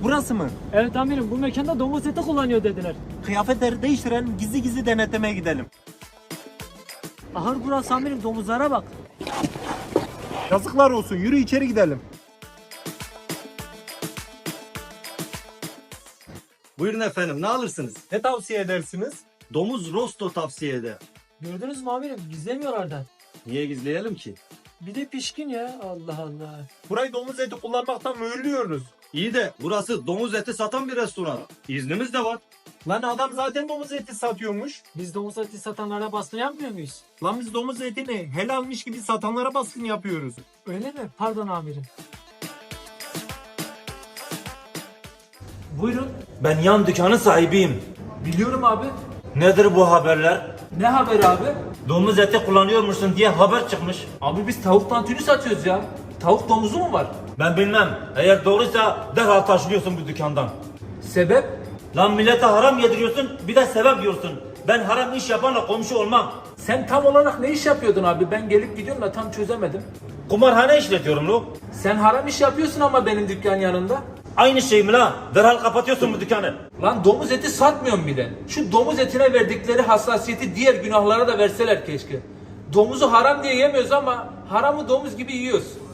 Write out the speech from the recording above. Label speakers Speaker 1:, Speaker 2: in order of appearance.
Speaker 1: Burası mı?
Speaker 2: Evet amirim, bu mekanda domuz eti kullanıyor dediler.
Speaker 1: Kıyafetleri değiştiren gizli gizli denetlemeye gidelim.
Speaker 2: Ahır burası amirim, domuzlara bak.
Speaker 1: Yazıklar olsun, yürü içeri gidelim.
Speaker 3: Buyurun efendim, ne alırsınız?
Speaker 1: Ne tavsiye edersiniz?
Speaker 3: Domuz rosto tavsiye eder.
Speaker 2: Gördünüz mü amirim, gizlemiyorlar da.
Speaker 3: Niye gizleyelim ki?
Speaker 2: Bir de pişkin ya, Allah Allah.
Speaker 1: Burayı domuz eti kullanmaktan mühürlüyoruz.
Speaker 3: İyi de burası domuz eti satan bir restoran. İznimiz de var.
Speaker 1: Lan adam zaten domuz eti satıyormuş.
Speaker 2: Biz domuz eti satanlara baskın yapmıyor muyuz?
Speaker 1: Lan biz domuz etini helalmiş gibi satanlara baskın yapıyoruz.
Speaker 2: Öyle mi? Pardon amirim. Buyurun.
Speaker 4: Ben yan dükkanın sahibiyim.
Speaker 2: Biliyorum abi.
Speaker 4: Nedir bu haberler?
Speaker 2: Ne haberi abi?
Speaker 4: Domuz eti kullanıyormuşsun diye haber çıkmış.
Speaker 2: Abi biz tavuk tantuni satıyoruz ya. Tavuk domuzu mu var?
Speaker 4: Ben bilmem. Eğer doğruysa derhal taşınıyorsun bu dükkandan.
Speaker 2: Sebep?
Speaker 4: Lan millete haram yediriyorsun bir de sebep diyorsun. Ben haram iş yapanla komşu olmam.
Speaker 2: Sen tam olarak ne iş yapıyordun abi? Ben gelip gidiyorum da tam çözemedim.
Speaker 4: Kumarhane işletiyorum lo.
Speaker 2: Sen haram iş yapıyorsun ama benim dükkan yanında.
Speaker 4: Aynı şey mi lan? Derhal kapatıyorsun bu dükkanı.
Speaker 2: Lan domuz eti satmıyorum bile. Şu domuz etine verdikleri hassasiyeti diğer günahlara da verseler keşke. Domuzu haram diye yemiyoruz ama haramı domuz gibi yiyoruz.